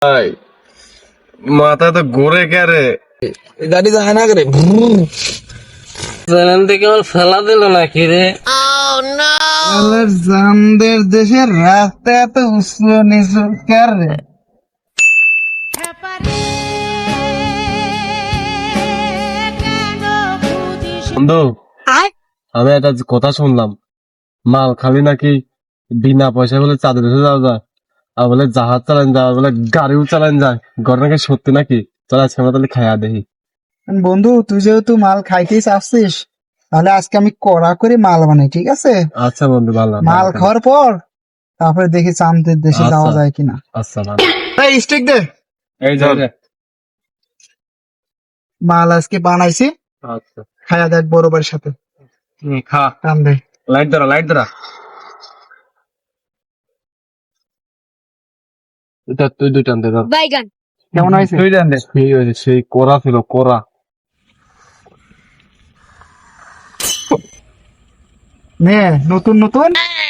ভাই মাথা তো ঘুরে কে রে? গাড়ি যায় না করে ট্রেন থেকে আমার ফেলা দিল নাকি রে? জামদের দেশের রাস্তা এত উঁচু নিচু কার রে? বন্ধু, আমি একটা কথা শুনলাম, মাল খালি নাকি বিনা পয়সা বলে চাঁদের দেশে যাওয়া যায়, আর বলে জাহাজ চালান যায়, বলে গাড়িও চালান যায়। ঘটনা কি সত্যি নাকি? চল আজকে আমরা তাহলে খাইয়া দেখি। বন্ধু, তুই যেহেতু মাল খাইতেই চাচ্ছিস, তাহলে আজকে আমি কড়া করে মাল বানাই, ঠিক আছে? আচ্ছা বন্ধু, ভালো মাল খাওয়ার পর তারপরে দেখি চামদের দেশে আচ্ছা। যাওয়া যায় কিনা। আচ্ছা ভালো। এই স্টিক দে। এই যে মাল আজকে বানাইছি, আচ্ছা খাইয়া দেখ বড়বার সাথে। খা। টান দে। লাইট ধরা, লাইট ধরা। এটা তুই দুই টান দে ধর। বাইগান কেমন হয়েছে? তুই টান দে। সেই হয়েছে, সেই কোরা ছিল কোরা। নে নতুন নতুন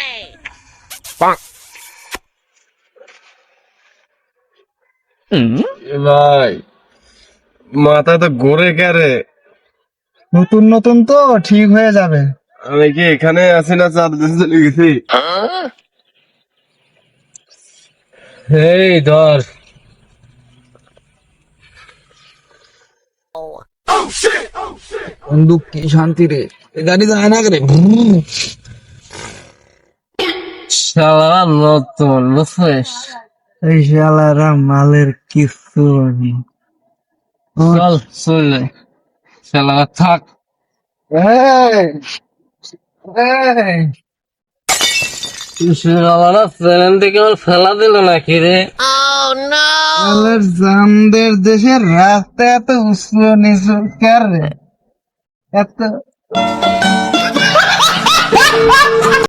ভাই মাথা তো ঘুরে কে রে? নতুন নতুন তো ঠিক হয়ে যাবে। আমি কি এখানে আছি না চাঁদ দেশে চলে গেছি? এই ধর, বন্ধু কি শান্তি রে, গাড়ি যায় না করে শালা নতুন বুঝছিস? এই শালারা মালের কিছু নেই। চল চলে শালা থাক। এই, এই, শালা ট্রেন থেকে আমার ফেলা দিল নাকি রে? শালার জামদের দেশের রাস্তা এত উঁচু নিচু কার রে? এত